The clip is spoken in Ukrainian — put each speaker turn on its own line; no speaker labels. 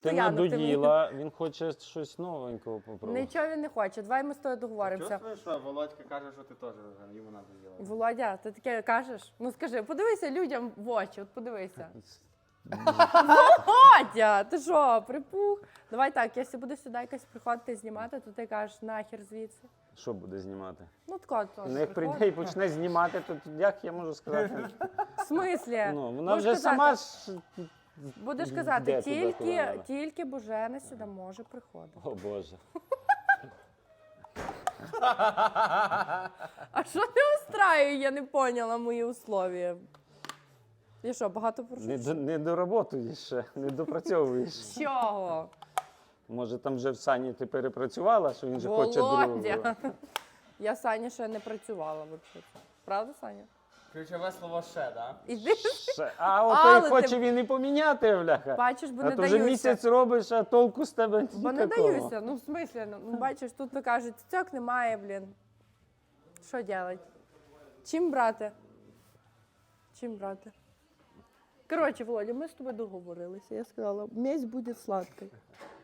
Ти надоїла, він хоче щось новенького попробувати.
Нічого він не хоче, давай ми з тобою договоримося.
Чувствуєш, що Володька каже, що ти теж вже йому надоїла?
Володя, ти таке кажеш? Ну скажи, подивися людям в очі, от подивися. Володя, ти що, припух? Давай так, якщо буде сюди якось приходити знімати, то ти кажеш, нахер звідси.
Що буде знімати?
Ну тако теж.
Ну, як прийде і почне знімати, то як я можу сказати?
В смислі?
Ну, вона
Можеш
вже
казати-
сама ж...
Будеш
Де
казати,
туди повела?
тільки Божена сюди може приходити.
О, Боже.
А що не устраює, я не поняла мої условия. І що, багато прошу?
Не доработуєш ще, не допрацьовуєш.
Чого?
Може, там вже в Сані ти перепрацювала, що він же хоче другого.
Володя. Я Саня ще не працювала взагалі. Правда, Саня?
Ключове слово «ще», так?
Іди.
А от
Але
той хоче
ти-
він і поміняти, бляха.
Бачиш, бо
А
не
то вже
даюся.
місяць робиш, а толку з тебе
Бо не
ніякого.
даюся. Ну, в смислі, ну бачиш, тут ви кажуть, цьок немає, блін. Що робити? Чим брати? Чим брати? Коротше, Володя, ми з тобою договорилися. Я сказала, м'ясь буде сладкий.